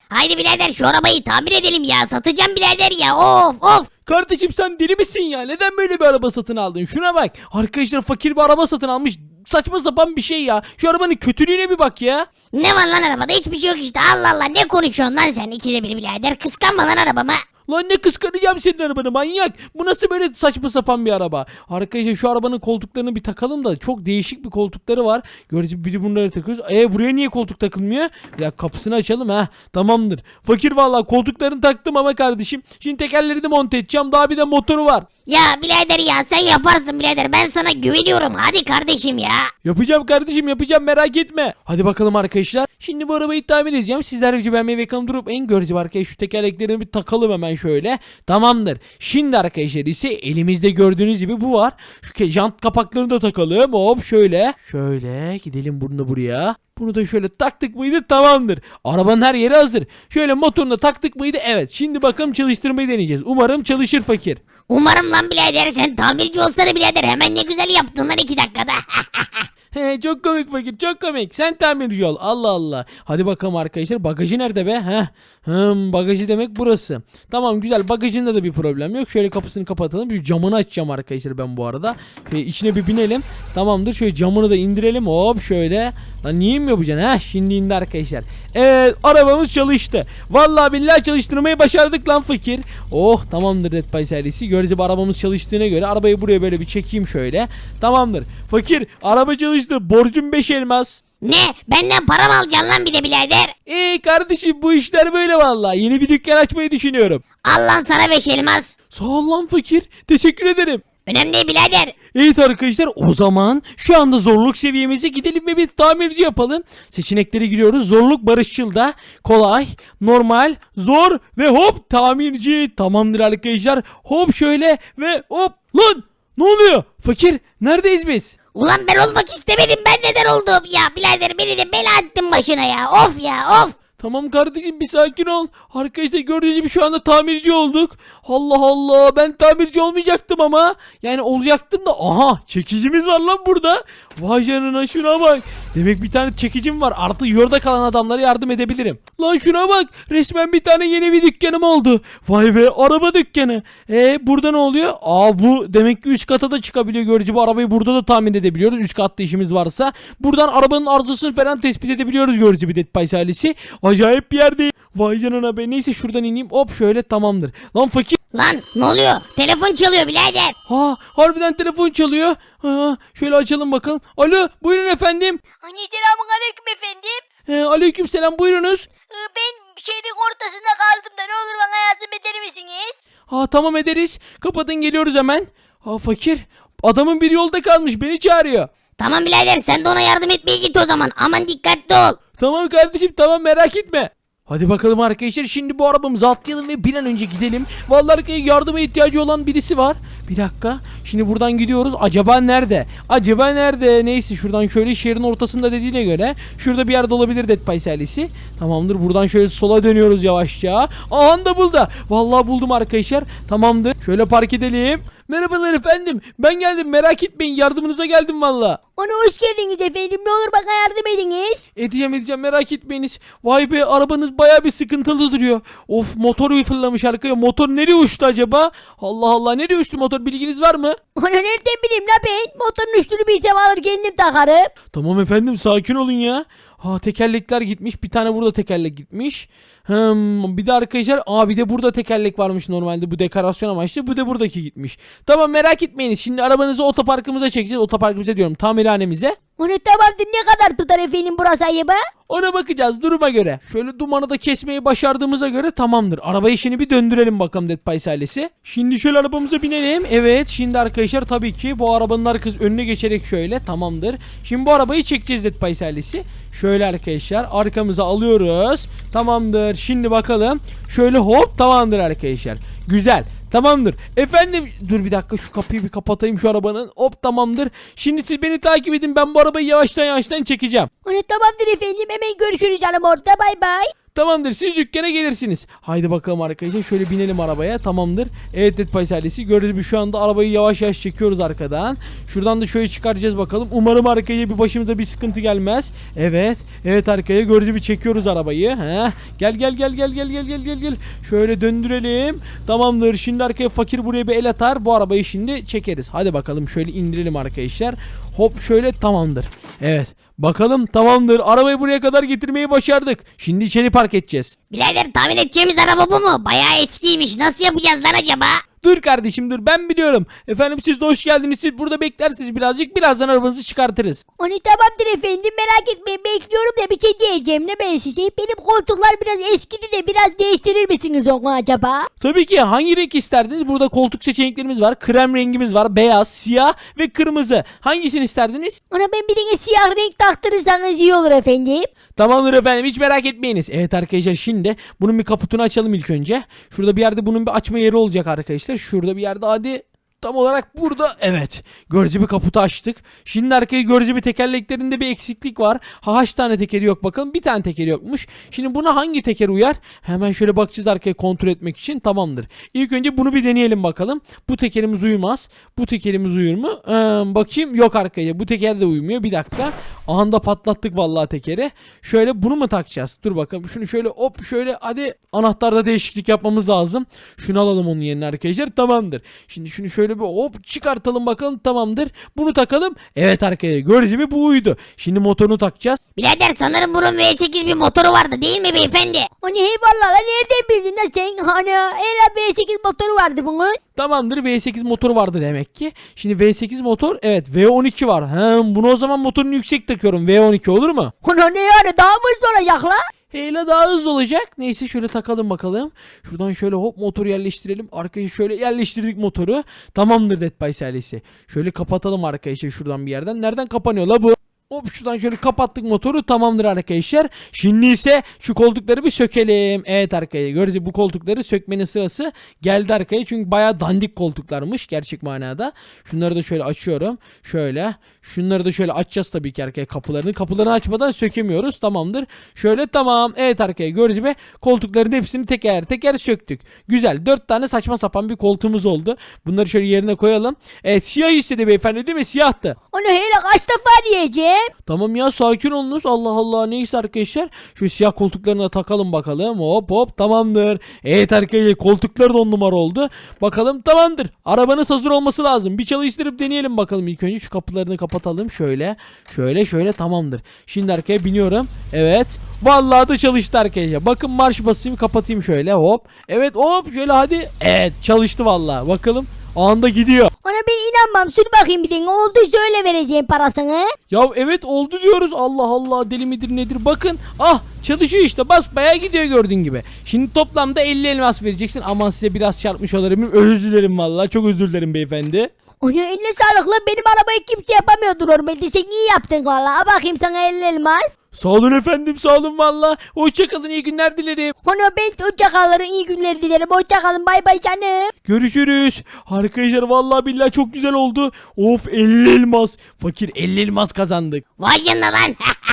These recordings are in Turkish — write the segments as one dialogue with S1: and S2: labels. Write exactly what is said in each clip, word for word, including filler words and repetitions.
S1: Haydi birader şu arabayı tamir edelim ya. Satacağım birader ya. Of of.
S2: Kardeşim sen deli misin ya? Neden böyle bir araba satın aldın? Şuna bak. Arkadaşlar fakir bir araba satın almış. Saçma sapan bir şey ya. Şu arabanın kötülüğüne bir bak ya.
S1: Ne var lan arabada? Hiçbir şey yok işte. Allah Allah, ne konuşuyorsun lan sen ikide bir birader. Kıskanma lan arabama.
S2: Lan ne kıskanacağım senin arabanı manyak. Bu nasıl böyle saçma sapan bir araba? Arkadaşlar şu arabanın koltuklarını bir takalım da çok değişik bir koltukları var. Gördüğünüz biri bunları takıyoruz. E buraya niye koltuk takılmıyor? Bir dakika kapısını açalım ha. Tamamdır. Fakir vallahi koltuklarını taktım ama kardeşim. Şimdi tekerleri de monte edeceğim. Daha bir de motoru var.
S1: Ya birader ya, sen yaparsın birader. Ben sana güveniyorum. Hadi kardeşim ya.
S2: Yapacağım kardeşim yapacağım merak etme. Hadi bakalım arkadaşlar. Şimdi bu arabayı tamir edeceğim. Sizler de beğenmeyi ve kanalıma durup en göreceğim arkadaşlar. Şu tekerleklerini bir takalım hemen şöyle. Tamamdır. Şimdi arkadaşlar ise elimizde gördüğünüz gibi bu var. Şu jant kapaklarını da takalım. Hop şöyle. Şöyle gidelim bunu buraya. Bunu da şöyle taktık mıydı tamamdır. Arabanın her yeri hazır. Şöyle motorunu da taktık mıydı evet. Şimdi bakalım çalıştırmayı deneyeceğiz. Umarım çalışır fakir.
S1: Umarım lan birader, sen tamirci olsana birader. Hemen ne güzel yaptın lan iki dakikada.
S2: He çok komik fakir çok komik. Sen tamirci ol. Allah Allah. Hadi bakalım arkadaşlar. Bagajı nerede be? Heh. Hmm, bagajı demek burası. Tamam güzel. Bagajında da bir problem yok. Şöyle kapısını kapatalım. Şu camını açacağım arkadaşlar ben bu arada. Şöyle içine bir binelim. Tamamdır. Şöyle camını da indirelim. Hop şöyle. Lan niye mi yapacaksın? Heh şimdi indi arkadaşlar. Evet arabamız çalıştı. Vallahi billahi çalıştırmayı başardık lan fakir. Oh tamamdır Dead by serisi. Gördüğünüz gibi arabamız çalıştığına göre arabayı buraya böyle bir çekeyim şöyle. Tamamdır. Fakir araba çalıştı. Borcum beş elmas.
S1: Ne? Benden para mı alacaksın lan bir de birader?
S2: Eee kardeşim bu işler böyle vallahi. Yeni bir dükkan açmayı düşünüyorum.
S1: Al lan sana beş elmas.
S2: Sağ ol lan fakir. Teşekkür ederim.
S1: Önemli değil birader.
S2: Evet arkadaşlar o zaman şu anda zorluk seviyemize gidelim ve bir tamirci yapalım. Seçeneklere giriyoruz. Zorluk barışçılda, kolay, normal, zor ve hop tamirci. Tamamdır arkadaşlar. Hop şöyle ve hop lan ne oluyor? Fakir neredeyiz biz?
S1: Ulan ben olmak istemedim, ben neden oldum ya birader, beni de bela ettin başına ya, of ya of.
S2: Tamam kardeşim bir sakin ol. Arkadaşlar gördüğünüz gibi şu anda tamirci olduk. Allah Allah ben tamirci olmayacaktım ama. Yani olacaktım da aha çekicimiz var lan burada. Vay canına şuna bak. Demek bir tane çekicim var. Artık yolda kalan adamlara yardım edebilirim. Lan şuna bak. Resmen bir tane yeni bir dükkanım oldu. Vay be araba dükkanı. E burada ne oluyor? Aa bu demek ki üst kata da çıkabiliyor. Gördüğünüz gibi arabayı burada da tahmin edebiliyoruz. Üst katta işimiz varsa. Buradan arabanın arızasını falan tespit edebiliyoruz gördüğünüz gibi Dead by ailesi. Acayip bir yerde. Vay canına be. Neyse şuradan ineyim. Hop şöyle tamamdır. Lan fakir.
S1: Lan ne oluyor? Telefon çalıyor birader.
S2: Ha harbiden telefon çalıyor. Ha, şöyle açalım bakalım. Alo buyurun efendim.
S1: Hani selamun aleyküm efendim.
S2: Ee, aleyküm selam buyurunuz.
S1: Ben şehrin ortasında kaldım da ne olur bana yardım eder misiniz?
S2: Ha tamam ederiz. Kapatın geliyoruz hemen. Ha fakir. Adamın bir yolda kalmış beni çağırıyor.
S1: Tamam birader, sen de ona yardım etmeye git o zaman. Aman dikkatli ol.
S2: Tamam kardeşim tamam merak etme. Hadi bakalım arkadaşlar şimdi bu arabamızı atlayalım ve bir an önce gidelim. Vallahi arkadaşlar yardıma ihtiyacı olan birisi var. Bir dakika. Şimdi buradan gidiyoruz. Acaba nerede? Acaba nerede? Neyse şuradan şöyle şehrin ortasında dediğine göre şurada bir yerde olabilir Dead by ailesi. Tamamdır. Buradan şöyle sola dönüyoruz yavaşça. Aha da buldu. Vallahi buldum arkadaşlar. Tamamdır. Şöyle park edelim. Merhabalar efendim. Ben geldim merak etmeyin. Yardımınıza geldim valla.
S1: Ona hoş geldiniz efendim. Ne olur bana yardım ediniz.
S2: Edeceğim edeceğim merak etmeyiniz. Vay be arabanız baya bir sıkıntılı duruyor. Of motoru fırlamış arkaya. Motor nereye uçtu acaba? Allah Allah nereye uçtu motor bilginiz var mı?
S1: Onu nereden bileyim la ben? Motorun üstünü bilsem alır kendim takarım.
S2: Tamam efendim sakin olun ya. Ha tekerlekler gitmiş. Bir tane burada tekerlek gitmiş. Hmm, bir de arkadaşlar aa bir de burada tekerlek varmış normalde bu dekorasyon amaçlı. Bu da buradaki gitmiş. Tamam merak etmeyiniz. Şimdi arabanızı otoparkımıza çekeceğiz. Otoparkımıza diyorum tamirhanemize.
S1: Onu tamamdır, ne kadar tutar efendim burası ayıba?
S2: Ona bakacağız duruma göre. Şöyle dumanı da kesmeyi başardığımıza göre tamamdır. Araba işini bir döndürelim bakalım Dead by ailesi. Şimdi şöyle arabamıza binelim. Evet şimdi arkadaşlar tabii ki bu arabanın arkası önüne geçerek şöyle tamamdır. Şimdi bu arabayı çekeceğiz Dead by ailesi. Şöyle arkadaşlar arkamıza alıyoruz. Tamamdır. Şimdi bakalım. Şöyle hop tamamdır arkadaşlar. Güzel. Tamamdır. Efendim dur bir dakika şu kapıyı bir kapatayım şu arabanın. Hop tamamdır. Şimdi siz beni takip edin. Ben bu arabayı yavaştan yavaştan çekeceğim.
S1: Onu tamamdır efendim, hemen görüşürüz canım orada, bay bay.
S2: Tamamdır, siz dükkana gelirsiniz. Haydi bakalım arkadaşlar, şöyle binelim arabaya. Tamamdır. Evet Dead Pies ailesi, gördüğünüz gibi şu anda arabayı yavaş yavaş çekiyoruz arkadan. Şuradan da şöyle çıkaracağız bakalım. Umarım arkaya bir başımıza bir sıkıntı gelmez. Evet. Evet arkaya gördüğünüz gibi çekiyoruz arabayı. Heh. Gel gel gel gel gel gel gel gel gel. Şöyle döndürelim. Tamamdır. Şimdi arkaya fakir buraya bir el atar. Bu arabayı şimdi çekeriz. Hadi bakalım şöyle indirelim arkadaşlar. Hop şöyle, tamamdır. Evet. Bakalım, tamamdır. Arabayı buraya kadar getirmeyi başardık. Şimdi içeri park edeceğiz.
S1: Birader tahmin edeceğimiz araba bu mu? Bayağı eskiymiş. Nasıl yapacağız lan acaba?
S2: Dur kardeşim dur, ben biliyorum. Efendim siz de hoş geldiniz. Siz burada beklersiniz birazcık. Birazdan arabanızı çıkartırız.
S3: Onu tamamdır efendim, merak etmeyin, bekliyorum da bir şey diyeceğim ne ben size. Benim koltuklar biraz eskidi de biraz değiştirir misiniz onu acaba?
S2: Tabii ki, hangi renk isterdiniz? Burada koltuk seçeneklerimiz var. Krem rengimiz var. Beyaz, siyah ve kırmızı. Hangisini isterdiniz?
S3: Ona ben birine siyah renk taktırırsanız iyi olur efendim.
S2: Tamamdır efendim, hiç merak etmeyiniz. Evet arkadaşlar, şimdi bunun bir kaputunu açalım ilk önce. Şurada bir yerde bunun bir açma yeri olacak arkadaşlar. Şurada bir yerde, hadi. Tam olarak burada, evet. Gördüğünüz gibi kaputu açtık. Şimdi arkaya gördüğünüz gibi tekerleklerinde bir eksiklik var. Ha, kaç tane tekeri yok bakalım. Bir tane tekeri yokmuş. Şimdi buna hangi teker uyar? Hemen şöyle bakacağız arkaya kontrol etmek için. Tamamdır. İlk önce bunu bir deneyelim bakalım. Bu tekerimiz uyumaz. Bu tekerimiz uyur mu? Ee, bakayım, yok arkaya. Bu teker de uymuyor. Bir dakika. Anda patlattık vallahi tekeri. Şöyle bunu mu takacağız? Dur bakalım. Şunu şöyle hop şöyle, hadi. Anahtarda değişiklik yapmamız lazım. Şunu alalım onun yerine arkadaşlar. Tamamdır. Şimdi şunu şöyle bir hop çıkartalım bakalım, tamamdır. Bunu takalım. Evet arkaya gördüğünüz gibi bu uydu. Şimdi motorunu takacağız.
S1: Birader sanırım bunun V sekiz bir motoru vardı değil mi beyefendi?
S3: Onu eyvallah lan, nereden bildin lan sen? Hani Ela B sekiz motoru vardı bunun.
S2: Tamamdır, V sekiz motoru vardı demek ki. Şimdi V sekiz motor, evet V on iki var. He, bunu o zaman motorunu yüksek takıyorum. V on iki olur mu?
S3: Ona ne yani, daha mı hızlı olacak lan?
S2: Hele daha hızlı olacak. Neyse şöyle takalım bakalım. Şuradan şöyle hop motoru yerleştirelim. Arkaya şöyle yerleştirdik motoru. Tamamdır Dead Pies ailesi. Şöyle kapatalım arkadaşlar şuradan bir yerden. Nereden kapanıyor la bu? Hop şuradan şöyle kapattık motoru, tamamdır arkadaşlar. Şimdi ise şu koltukları bir sökelim. Evet arkadaşlar, gördüğünüz gibi bu koltukları sökmenin sırası geldi arkaya. Çünkü bayağı dandik koltuklarmış gerçek manada. Şunları da şöyle açıyorum. Şöyle. Şunları da şöyle açacağız tabii ki arkaya, kapılarını. Kapılarını açmadan sökemiyoruz. Tamamdır. Şöyle, tamam. Evet arkadaşlar, gördüğünüz gibi koltukların hepsini teker teker söktük. Güzel. Dört tane saçma sapan bir koltuğumuz oldu. Bunları şöyle yerine koyalım. Evet, siyah istedi beyefendi değil mi? Siyahtı.
S3: Onu hele kaç defa diyeceğim?
S2: Tamam ya, sakin olunuz. Allah Allah, neyse arkadaşlar. Şu siyah koltuklarına takalım bakalım. Hop hop, tamamdır. Evet arkadaşlar, koltuklar da on numara oldu. Bakalım, tamamdır. Arabanız hazır olması lazım. Bir çalıştırıp deneyelim bakalım. İlk önce şu kapılarını kapatalım. Şöyle şöyle şöyle, tamamdır. Şimdi arkaya biniyorum. Evet. Vallahi da çalıştı arkadaşlar. Bakın, marş basayım, kapatayım şöyle hop. Evet hop şöyle, hadi. Evet, çalıştı vallahi. Bakalım. Anda gidiyor.
S3: Ona ben inanmam, sür bakayım bir de ne oldu, söyle vereceğim parasını.
S2: Ya evet oldu diyoruz. Allah Allah, deli midir nedir? Bakın, ah çalışıyor işte, basbayağı gidiyor gördüğün gibi. Şimdi toplamda elli elmas vereceksin. Aman size biraz çarpmış olabilirim. Özür dilerim vallahi, çok özür dilerim beyefendi.
S3: Ona eline sağlık lan, benim arabayı kimse yapamıyordu normalde, sen iyi yaptın valla. Bakayım sana elli elmas.
S2: Sağ olun efendim, sağ olun valla. Hoşçakalın, iyi günler dilerim.
S3: Ona ben hoşça kalın, iyi günler dilerim, hoşça kalın, bay bay canım.
S2: Görüşürüz. Arkadaşlar vallahi billahi çok güzel oldu. Of, elli elmas. Fakir elli elmas kazandık.
S1: Vay canına lan.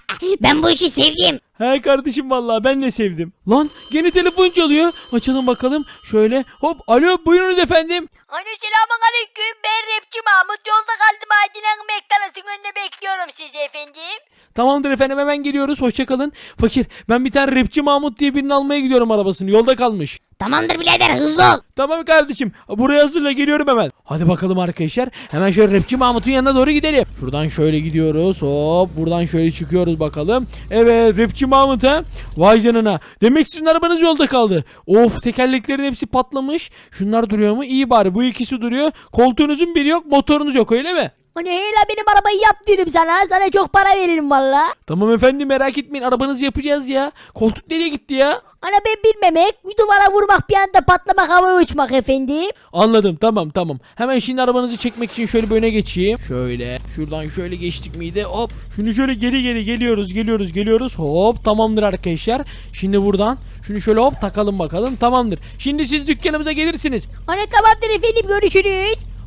S1: Ben bu işi sevdim.
S2: He kardeşim, vallahi ben de sevdim. Lan gene telefon çalıyor. Açalım bakalım. Şöyle hop, alo buyurunuz efendim.
S3: Ana selamun aleyküm, ben rapçi Mahmut, yolda kaldım, acilen McDonald's'ın önünde bekliyorum sizi efendim.
S2: Tamamdır efendim, hemen geliyoruz, hoşçakalın. Fakir, ben bir tane rapçi Mahmut diye birini almaya gidiyorum, arabasını yolda kalmış.
S1: Tamamdır birader, hızlı ol.
S2: Tamam kardeşim, buraya hazırla, geliyorum hemen. Hadi bakalım arkadaşlar, hemen şöyle rapçi Mahmut'un yanına doğru gidelim. Şuradan şöyle gidiyoruz, hop buradan şöyle çıkıyoruz bakalım. Evet, rapçi Mahmut ha. Vay canına, demek sizin arabanız yolda kaldı. Of, tekerleklerin hepsi patlamış. Şunlar duruyor mu? İyi bari, bu ikisi duruyor. Koltuğunuzun biri yok, motorunuz yok, öyle mi?
S3: Ana hele benim arabayı yap dedim sana, sana çok para veririm valla.
S2: Tamam efendim, merak etmeyin, arabanızı yapacağız ya. Koltuk nereye gitti ya?
S3: Ana ben bilmemek, bir duvara vurmak, bir anda patlamak, havaya uçmak efendim.
S2: Anladım, tamam tamam. Hemen şimdi arabanızı çekmek için şöyle bir öne geçeyim. Şöyle şuradan şöyle geçtik miydi? Hop şunu şöyle geri geri geliyoruz geliyoruz geliyoruz. Hop tamamdır arkadaşlar. Şimdi buradan şunu şöyle hop takalım bakalım, tamamdır. Şimdi siz dükkanımıza gelirsiniz.
S3: Ana tamamdır efendim, görüşürüz.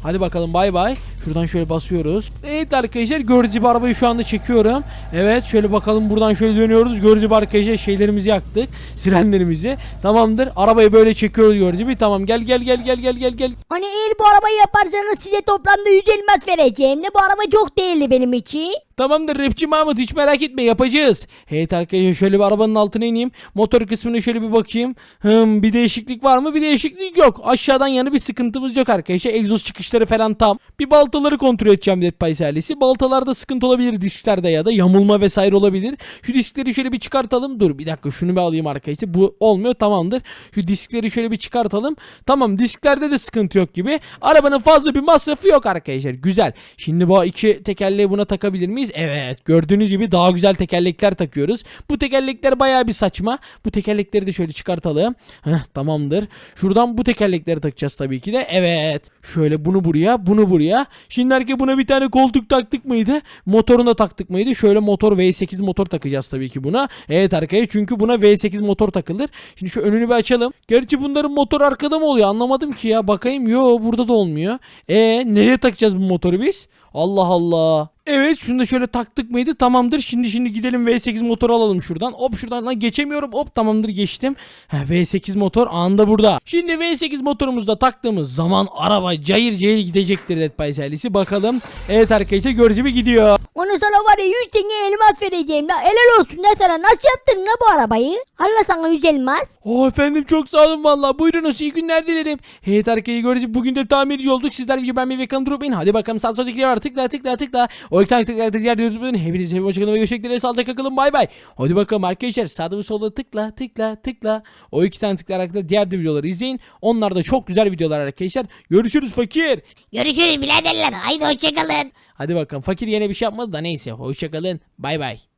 S2: Hadi bakalım bay bay. Şuradan şöyle basıyoruz. Evet arkadaşlar gördüğünüz gibi arabayı şu anda çekiyorum. Evet şöyle bakalım buradan şöyle dönüyoruz. Gördüğünüz gibi arkadaşlar şeylerimizi yaktık. Sirenlerimizi. Tamamdır. Arabayı böyle çekiyoruz gördüğünüz gibi. Tamam gel gel gel gel gel gel gel.
S3: Hani eğer bu arabayı yaparsanız size toplamda yüz elmas vereceğim de bu araba çok değerli benim için.
S2: Tamamdır rapçi Mahmut hiç merak etme yapacağız. Evet arkadaşlar şöyle bir arabanın altına ineyim. Motor kısmına şöyle bir bakayım. Hım, bir değişiklik var mı? Bir değişiklik yok. Aşağıdan yana bir sıkıntımız yok arkadaşlar. Egzoz çıkışları falan tam. Bir baltaları kontrol edeceğim Dead Pies ailesi. Baltalarda sıkıntı olabilir disklerde ya da yamulma vesaire olabilir. Şu diskleri şöyle bir çıkartalım. Dur bir dakika şunu bir alayım arkadaşlar. Bu olmuyor tamamdır. Şu diskleri şöyle bir çıkartalım. Tamam disklerde de sıkıntı yok gibi. Arabanın fazla bir masrafı yok arkadaşlar. Güzel. Şimdi bu iki tekerleği buna takabilir miyiz? Evet gördüğünüz gibi daha güzel tekerlekler takıyoruz. Bu tekerlekler bayağı bir saçma. Bu tekerlekleri de şöyle çıkartalım. Heh, tamamdır. Şuradan bu tekerlekleri takacağız tabii ki de. Evet. Şöyle bunu buraya bunu buraya. Şimdi herkese buna bir tane koltuk taktık mıydı? Motoruna taktık mıydı? Şöyle motor V sekiz motor takacağız tabii ki buna. Evet arkadaşlar çünkü buna V sekiz motor takılır. Şimdi şu önünü bir açalım. Gerçi bunların motor arkada mı oluyor? Anlamadım ki ya. Bakayım. Yo burada da olmuyor. E nereye takacağız bu motoru biz? Allah Allah. Evet şunu da şöyle taktık mıydı? Tamamdır. Şimdi şimdi gidelim V sekiz motoru alalım şuradan. Hop şuradan lan geçemiyorum. Hop tamamdır geçtim. Heh, V sekiz motor anında burada. Şimdi V sekiz motorumuzda taktığımız zaman araba cayır cayır gidecektir Dead Pies ailesi. Bakalım. Evet arkadaşlar gördüğünüz gibi gidiyor.
S3: Onu sana var ya yüz tane elmas vereceğim la. Helal olsun la sana. Nasıl yaptın la bu arabayı? Allah sana yüz elmas.
S2: Oh efendim çok sağ olun valla. Buyurunuz iyi günler dilerim. Evet arkadaşlar gördüğünüz gibi bugün de tamirci olduk. Sizler gibi ben bir vekan durup in. Hadi bakalım sağ soldaki var tıkla tıkla tıkla. O iki tane tıkla tıkla diğer diyoruz. Hepinize bir hoşçakalın ve görüşmek dileğiyle sağlıcakla kalın bay bay. Hadi bakalım arkadaşlar sağda ve solda tıkla tıkla tıkla. O iki tane tıkla arkadaşlar diğer de videoları izleyin. Onlar da çok güzel videolar arkadaşlar. Görüşürüz fakir.
S1: Görüşürüz biraderler. Haydi hoşçakalın.
S2: Hadi bakalım fakir yine bir şey yapmadı da neyse hoşçakalın bay bay.